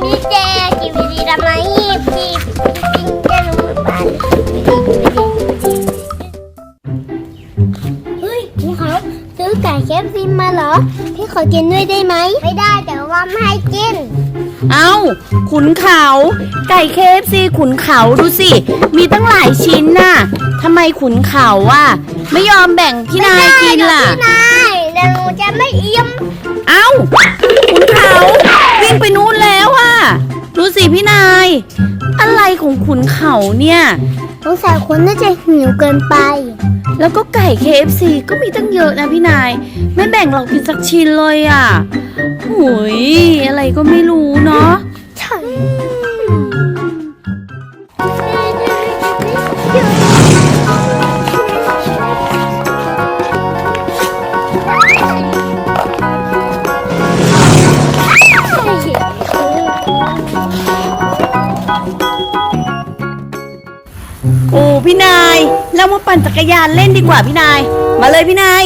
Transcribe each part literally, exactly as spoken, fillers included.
ดีเจกีวีดีทำไมพี่จริงจะรู้บ้านเฮ้ยพี่เขาซื้อไก่เคฟซีมาเหรอพี่ขอกินด้วยได้ไหมไม่ได้แต่ว่าไม่ให้กินเอ้าขุนเขาไก่ เค เอฟ ซี ขุนเขาดูสิมีตั้งหลายชิ้นน่ะทำไมขุนเขาอ่ะไม่ยอมแบ่งพี่นายกินล่ะพี่นายเดี๋ยวหนูจะไม่อิ่มเอ้าขุนเขาวิ่งไปนู้นแล้วอ่ะดูสิพี่นายอะไรของขุนเขาเนี่ยสงสัยคนน่าจะหิวเกินไปแล้วก็ไก่ เค เอฟ ซี ก็มีตั้งเยอะนะพี่นายไม่แบ่งเรากินสักชิ้นเลยอ่ะหุยอะไรก็ไม่รู้เนาะใช่โอ้พี่นายเรามาปั่นจักรยานเล่นดีกว่าพี่นายมาเลยพี่นาย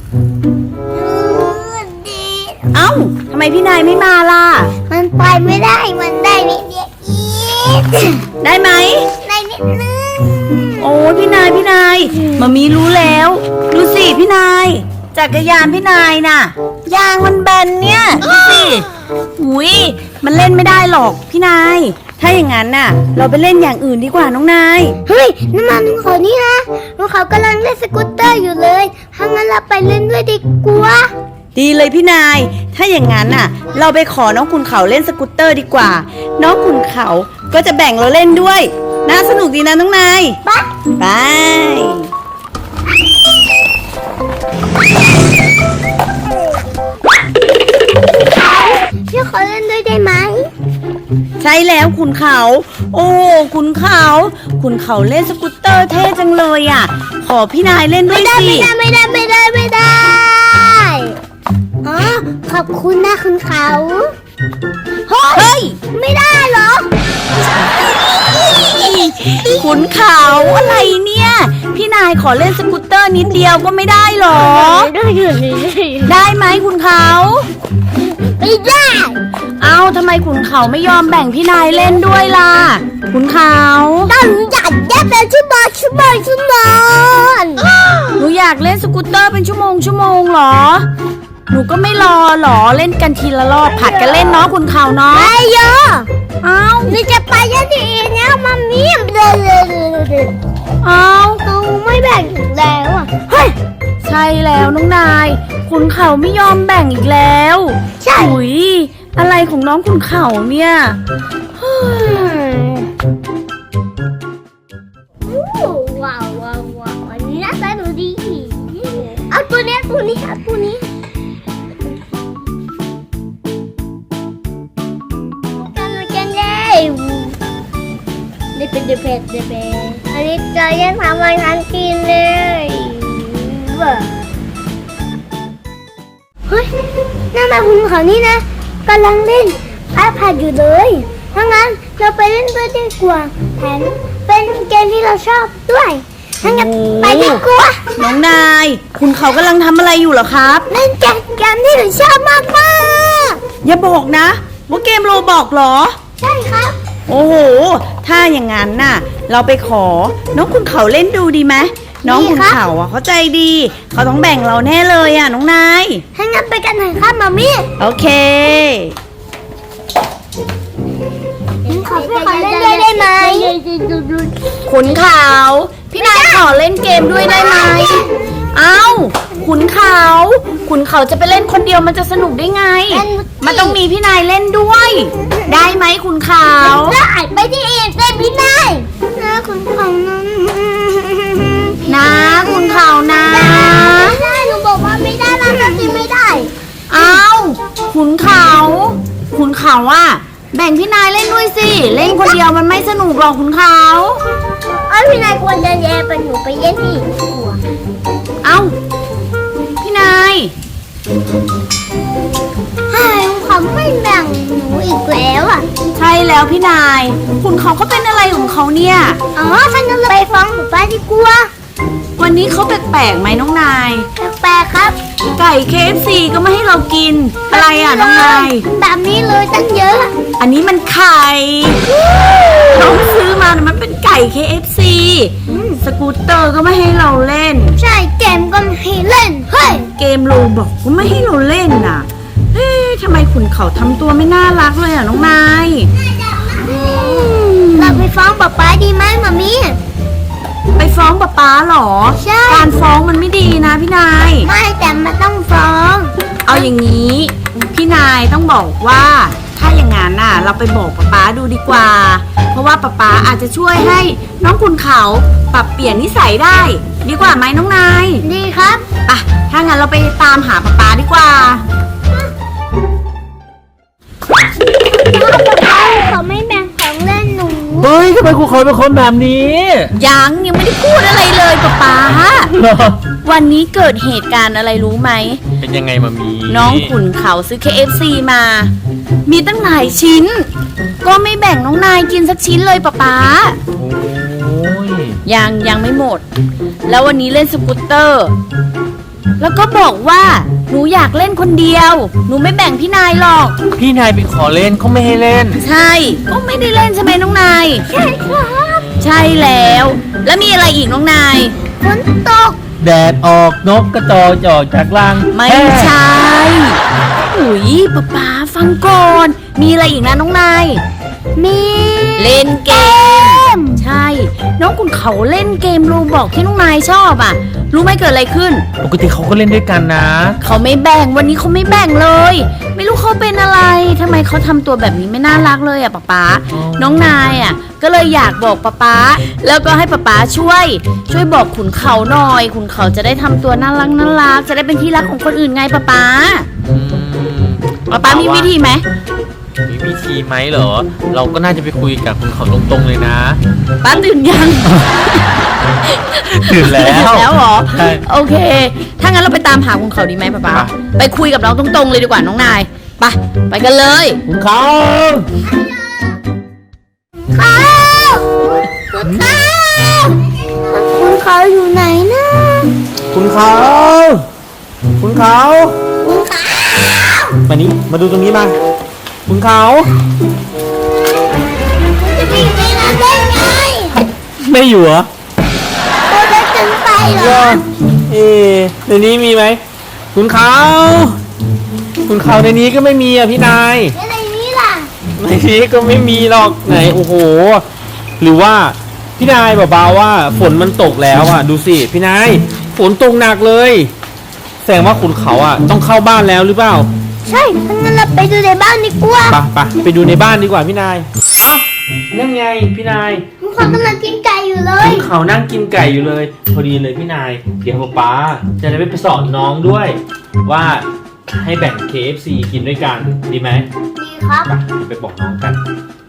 เอ้าทำไมพี่นายไม่มาล่ะมันไปไม่ได้มันได้นิดเดียวอีกได้ไหมได้นิดนึงโอ้พี่นายพี่นายมามีรู้แล้วดูสิพี่นายจักรยานพี่นายน่ะยางมันแบนเนี่ยดูสิอุ้ยมันเล่นไม่ได้หรอกพี่นายถ้าอย่างนั้นน่ะเราไปเล่นอย่างอื่นดีกว่าน้องนายเฮ้ยน้ำมันลุงเขานี่นะลุงเขากำลังเล่นสกูตเตอร์อยู่เลยถ้างั้นเราไปเล่นด้วยดีกว่าดีเลยพี่นายถ้าอย่างนั้นน่ะเราไปขอน้องขุนเขาเล่นสกูตเตอร์ดีกว่าน้องขุนเขาก็จะแบ่งเราเล่นด้วยน่าสนุกดีนะน้องนายไปไปพี่ขอเล่นด้วยได้ไหมใช่แล้วขุนเขาโอ้ขุนเขาขุนเขาเล่นสกูตเตอร์เท่จังเลยอ่ะขอพี่นายเล่นด้วยสิไม่ได้ไม่ได้ไม่ได้ไม่ได้อ๋อขอบคุณนะขุนเขาเฮ้ยไม่ได้เหรอขุนเขาอะไรเนี่ยพี่นายขอเล่นสกูตเตอร์นิดเดียวก็ไม่ได้หรอได้ไหมขุนเขาไม่ได้เอาทำไมขุนเขาไม่ยอมแบ่งพี่นายเล่นด้วยล่ะขุนเขาต้องอยากเล่นเป็นชั่วโมงชั่วโมงชั่วโมงหนูอยากเล่นสกูตเตอร์เป็นชั่วโมงชั่วโมงหรอหนูก็ไม่รอหรอเล่นกันทีละรอบผัดกันเล่นเนาะขุนเขาเนาะไม่เยอะเอาหนูจะไปยันทีเนี่ยมัมมี่เลยเลยเลยเอาเขาไม่แบ่งแล้วอ่ะเฮ้ยใช่แล้วน้องนายขุนเขาไม่ยอมแบ่งอีกแล้วใช่หุยอะไรของน้องขุนเขาเนี่ยว้าวว้าวว้าวอันนี้น่าสนุกดีเอาตัวนี้ตัวนี้เอาตัวนี้กันกันเลยนี่เป็นเดเพดเดเพดอันนี้จะยังทำอะไรทันกินเลยเฮ้ยนั่นมาคุณเขานี่นะกำลังเล่นไอแพดอยู่เลยถ้างั้นเราไปเล่นด้วยดีกว่าแถมเป็นเกมที่เราชอบด้วยถ้างั้นไปดีกว่าน้องนายคุณเขากำลังทำอะไรอยู่เหรอครับเล่นเกมที่หนูชอบมากมากอย่าบอกนะว่าเกมโรบอกเหรอใช่ครับโอ้โหถ้าอย่างนั้นน่ะเราไปขอน้องคุณเขาเล่นดูดีไหมน้องคุณเขาอ่ะเขาใจดีเขาต้องแบ่งเราแน่เลยอ่ะน้องนายถ้างั้นไปกันหน่อยครับมามี่โอเคขอพี่ขอเล่นด้วยได้ไหมขุนเขาพี่นายขอเล่นเกมด้วยได้ไหมเอ้าขุนเขาขุนเขาจะไปเล่นคนเดียวมันจะสนุกได้ไงมันต้องมีพี่นายเล่นด้วยได้ไหมขุนเขาได้ไปที่เองเป็นพี่นายนะขุนเขานะขุนเขานะไม่ได้หนูบอกว่าไม่ได้แล้วก็ไม่ได้เอ้าขุนเขาขุนเขาอ่ะแบ่งพี่นายเล่นด้วยสิเล่นคนเดียวมันไม่สนุกหรอกขุนเขาเอ้ยพี่นายควรจะแย่ไปหนูไปเล่นที่หัวเอ้าพี่นายใช่เขาไม่แบ่งหนูอีกแล้วอ่ะใช่แล้วพี่นายขุนเขาเขาเป็นอะไรของเขาเนี่ยอ๋อฉันจะไปฟ้องหนูป้าดีกว่าไปวันนี้เขาแปลกๆไหมน้องนายแปลกๆครับไก่ เค เอฟ ซี ก็ไม่ให้เรากิน อะไรอ่ะน้องนายแบบนี้เลยตั้งเยอะอันนี้มันไข่น้องซื้อมานะมันเป็นไก่ เค เอฟ ซี สกูตเตอร์ก็ไม่ให้เราเล่นใช่เกมก็ไม่ให้เล่นเฮ้ยเกมโลบอกก็ไม่ให้เราเล่นน่ะ เฮ้ยทำไมขุนเขาทำตัวไม่น่ารักเลยอ่ะน้องนายเราไปฟ้องป๊าป๊าดีไหมมามีไปฟ้องป๊าป๊าเหรอใช่การฟ้องมันไม่ดีนะพี่นายไม่แต่มันต้องฟ้องเอาอย่างนี้พี่นายต้องบอกว่าถ้าอย่างนั้นน่ะ เราไปบอกป๊าป๊าดูดีกว่า เพราะว่าป๊าป๊าอาจจะช่วยให้น้องคุณเขาปรับเปลี่ยนนิสัยได้ ดีกว่าไหมน้องนายดีครับอ่ะถ้างั้นเราไปตามหาป๊าป๊าดีกว่าเขาไม่แบ่งของเล่นหนูเฮ้ยทำไมครูเขาเป็นคนแบบนี้ยังยังไม่ได้พูดอะไรเลยป๊าป๊าวันนี้เกิดเหตุการณ์อะไรรู้ไหมเป็นยังไงมามีน้องขุนเขาซื้อ เค เอฟ ซี มา มีตั้งหลายชิ้น ก็ไม่แบ่งน้องนายกินสักชิ้นเลยป๊าป๊าโอ้ยยังยังไม่หมด แล้ววันนี้เล่นสกูตเตอร์ แล้วก็บอกว่าหนูอยากเล่นคนเดียว หนูไม่แบ่งพี่นายหรอกพี่นายไปขอเล่นเขาไม่ให้เล่นใช่ ก็ไม่ได้เล่นใช่ไหมน้องนายใช่ครับใช่แล้ว แล้วมีอะไรอีกน้องนายฝนตกแดดออกนกกระจอกจะออกจากรังไม่ใช่อุ๋ยป๊าป๊าฟังก่อน มีอะไรอีกนะน้องนายมีเล่นเกม ใช่ น้องคุณเขาเล่นเกมรูบอกที่น้องนายชอบอ่ะ รู้ไหมเกิดอะไรขึ้นปกติเขาก็เล่นด้วยกันนะเขาไม่แบ่งวันนี้เขาไม่แบ่งเลย ไม่รู้เขาเป็นอะไรทำไมเขาทำตัวแบบนี้ไม่น่ารักเลยอ่ะป๊าป๊าอ๋อน้องนายอ่ะ ก็เลยอยากบอกป๊าป๊าแล้วก็ให้ป๊าป๊าช่วย ช่วยบอกขุนเขาหน่อย ขุนเขาจะได้ทำตัวน่ารักน่ารักจะได้เป็นที่รักของคนอื่นไงป๊าป๊าอืมป๊าป๊ามีวิธีไหมมีวิธีไหมเหรอ เราก็น่าจะไปคุยกับคุณเขาตรงๆเลยนะป๊าตื่นยังตื่นแล้วตื่นแล้วเหรอใช่โอเค ถ้างั้นเราไปตามหาขุนเขาดีไหมป๊าป๊าไปไปคุยกับน้องตรงๆเลยดีกว่าน้องนายไปไปกันเลยคุณเขาเขาคุณเขาคุณเขาอยู่ไหนนะคุณเขาคุณเขาคุณเขามานี่มาดูตรงนี้มา คุณเขาจะไปอยู่ในนั้นได้ไงไม่อยู่เหรอตัวเล็กเกินไปเหรอเอ๊ะในนี้มีไหม คุณเขา คุณเขาในนี้ก็ไม่มีอ่ะพี่นายแล้วในนี้ล่ะในนี้ก็ไม่มีหรอกไหนโอ้โห หรือว่าพี่นายเบาๆว่าฝนมันตกแล้วอ่ะ ดูสิพี่นายฝนตกหนักเลยแสดงว่าคุณเขาอ่ะต้องเข้าบ้านแล้วหรือเปล่าใช่ถ้างั้นเราไปดูในบ้านดีกว่าไปไปไปดูในบ้านดีกว่าพี่นายเอ้านั่นไงพี่นายคุณเขากำลังกินไก่อยู่เลยคุณเขานั่งกินไก่อยู่เลย พอดีเลยพี่นายเดี๋ยวป๊าจะได้ไปสอนน้องด้วย ว่าให้แบ่ง เค เอฟ ซี กินด้วยกันดีไหมดีครับไปเดี๋ยวไปบอกน้องกัน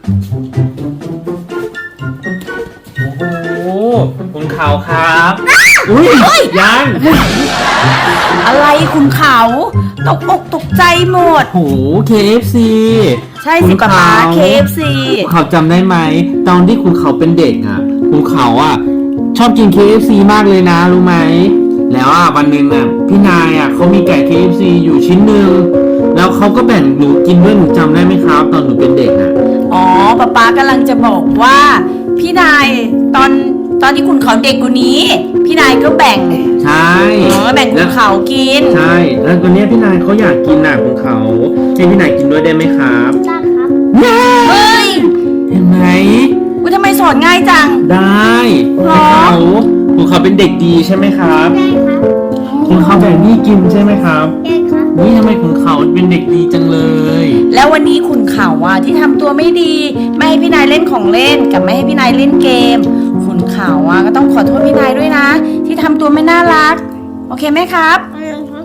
โอ้โหคุณเขาครับอุ้ยยังอะไรขุนเขาตกอกตกใจหมดโอ้โห เค เอฟ ซีใช่สิป๊าป๊า เค เอฟ ซีคุณเขาจำได้ไหมตอนที่คุณเขาเป็นเด็กอ่ะคุณเขาอ่ะชอบกิน เค เอฟ ซี มากเลยนะรู้ไหมแล้วอ่ะวันหนึ่งอ่ะพี่นายอ่ะเขามีไก่ เค เอฟ ซี อยู่ชิ้นหนึ่งแล้วเขาก็แบ่งหนูกินด้วยหนูจำได้ไหมครับตอนหนูเป็นเด็กอ่ะอ๋อป๊าป๊ากำลังจะบอกว่า พี่นายตอนตอนที่ขุนเขาเด็กกว่านี้ พี่นายก็แบ่งใช่อ๋อแบ่งขุนเขากินใช่แล้วตอนเนี้ยพี่นายเขาอยากกินน่ะคุณเขาให้พี่นายกินด้วยได้ไหมครับได้ครับเฮ้ยเห็นไหมอุ๊ยทำไมสอนง่ายจังได้หรอให้เขาคุณเขาเป็นเด็กดีใช่ไหมครับได้ครับคุณเขาแบ่งนี่กินใช่ไหมครับได้ครับนี่ทำไมคุณเขาเป็นเด็กดีจังเลยแล้ววันนี้ขุนเขาอ่ะที่ทำตัวไม่ดี ไม่ให้พี่นายเล่นของเล่นกับไม่ให้พี่นายเล่นเกมขุนเขาอ่ะก็ต้องขอโทษพี่นายด้วยนะ ที่ทำตัวไม่น่ารัก โอเคไหมครับได้ครับ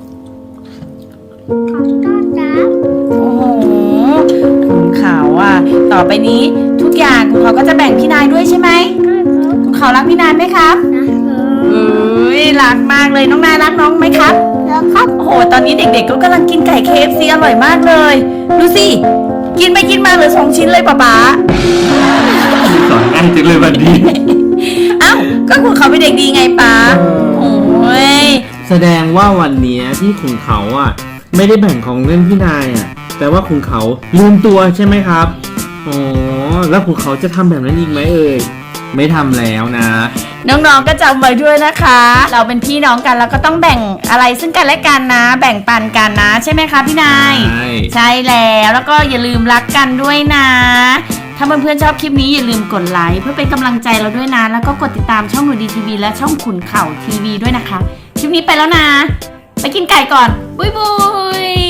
ขอบคุณครับโอ้โหขุนเขาอ่ะต่อไปนี้ทุกอย่างขุนเขาก็จะแบ่งพี่นายด้วยใช่ไหมได้ครับขุนเขารักพี่นายไหมครับนะครับเอ้ยรักมากเลยน้องนายรักน้องไหมครับแล้วครับโอ้โหตอนนี้เด็กๆก็กำลังกินไก่ เค เอฟ ซี อร่อยมากเลยดูสิกินไปกินมาเหลือสองชิ้นเลยป๊าป๊าสอนง่ายจังเลยวันนี้เอ้าก็คุณเขาเป็นเด็กดีไงป๊าเออแสดงว่าวันเนี้ยที่ขุนเขาอ่ะไม่ได้แบ่งของเล่นพี่นายอ่ะแต่ว่าขุนเขาลืมตัวใช่ไหมครับอ๋อแล้วขุนเขาจะทำแบบนั้นอีกไหมเอ่ยไม่ทำแล้วนะน้องๆก็จำไว้ด้วยนะคะ เราเป็นพี่น้องกันแล้วก็ต้องแบ่งอะไรซึ่งกันและกันนะ แบ่งปันกันนะใช่ไหมคะพี่นายใช่ใช่แล้วแล้วก็อย่าลืมรักกันด้วยนะ ถ้าเพื่อนๆชอบคลิปนี้อย่าลืมกดไลค์เพื่อเป็นกำลังใจเราด้วยนะ แล้วก็กดติดตามช่องหนูดีทีวีและช่องขุนเข่าทีวีด้วยนะคะ คลิปนี้ไปแล้วนะ ไปกินไก่ก่อน บุยบุย